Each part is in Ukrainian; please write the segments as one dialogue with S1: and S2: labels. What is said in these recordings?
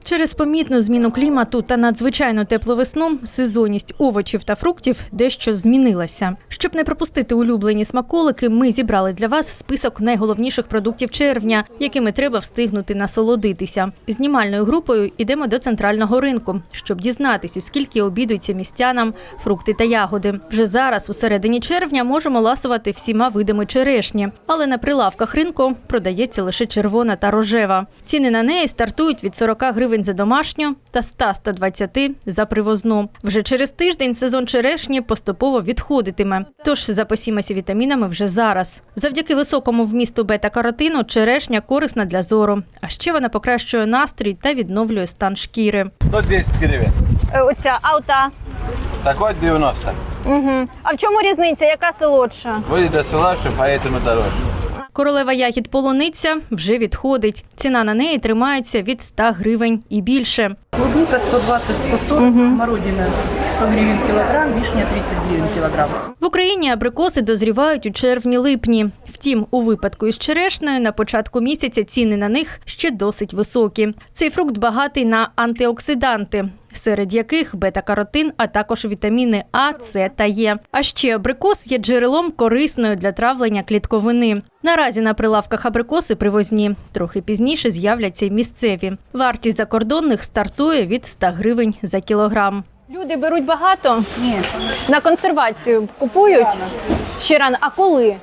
S1: Через помітну зміну клімату та надзвичайно теплу весну сезонність овочів та фруктів дещо змінилася. Щоб не пропустити улюблені смаколики, ми зібрали для вас список найголовніших продуктів червня, якими треба встигнути насолодитися. Знімальною групою йдемо до центрального ринку, щоб дізнатися, скільки обідуються містянам фрукти та ягоди. Вже зараз, у середині червня, можемо ласувати всіма видами черешні, але на прилавках ринку продається лише червона та рожева. Ціни на неї стартують від 40 гривень за домашню та 100-120 за привозну. Вже через тиждень сезон черешні поступово відходитиме, тож запасімося вітамінами вже зараз. Завдяки високому вмісту бета-каротину черешня корисна для зору, а ще вона покращує настрій та відновлює стан шкіри.
S2: 110 гривень.
S3: Оця, а ота?
S2: Такой 90.
S3: Угу. А в чому різниця? Яка солодша?
S2: Буде солодше, поэтому дорожче.
S1: Королева ягід полуниця вже відходить. Ціна на неї тримається від 100 гривень і більше.
S4: Клубника 120-140, смородина 100 гривен килограмм, вишня 30 гривен килограмм.
S1: В Україні абрикоси дозрівають у червні-липні. Втім, у випадку із черешнею на початку місяця ціни на них ще досить високі. Цей фрукт багатий на антиоксиданти, серед яких бета-каротин, а також вітаміни А, С та Е. А ще абрикос є джерелом корисною для травлення клітковини. Наразі на прилавках абрикоси привозні. Трохи пізніше з'являться й місцеві. Вартість закордонних стартує від 100 гривень за кілограм.
S3: Люди беруть багато?
S4: Ні.
S3: На консервацію купують? Ще рано. А коли?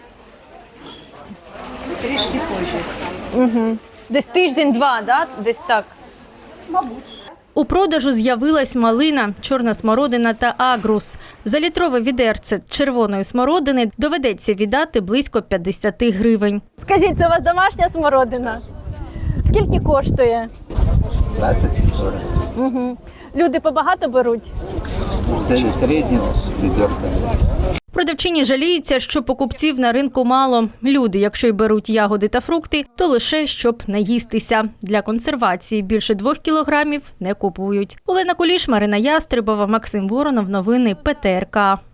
S4: Трішки позже.
S3: Десь тиждень-два, да? Десь так?
S1: У продажу з'явилась малина, чорна смородина та агрус. За літрове відерце червоної смородини доведеться віддати близько 50 гривень.
S3: Скажіть, це у вас домашня смородина? Скільки коштує?
S5: 20 и 40.
S3: Люди побагато беруть?
S5: Средний ведерко.
S1: Продавчині жаліються, що покупців на ринку мало. Люди, якщо й беруть ягоди та фрукти, то лише щоб наїстися. Для консервації більше 2 кілограмів не купують. Олена Куліш, Марина Ястребова, Максим Воронов. Новини ПТРК.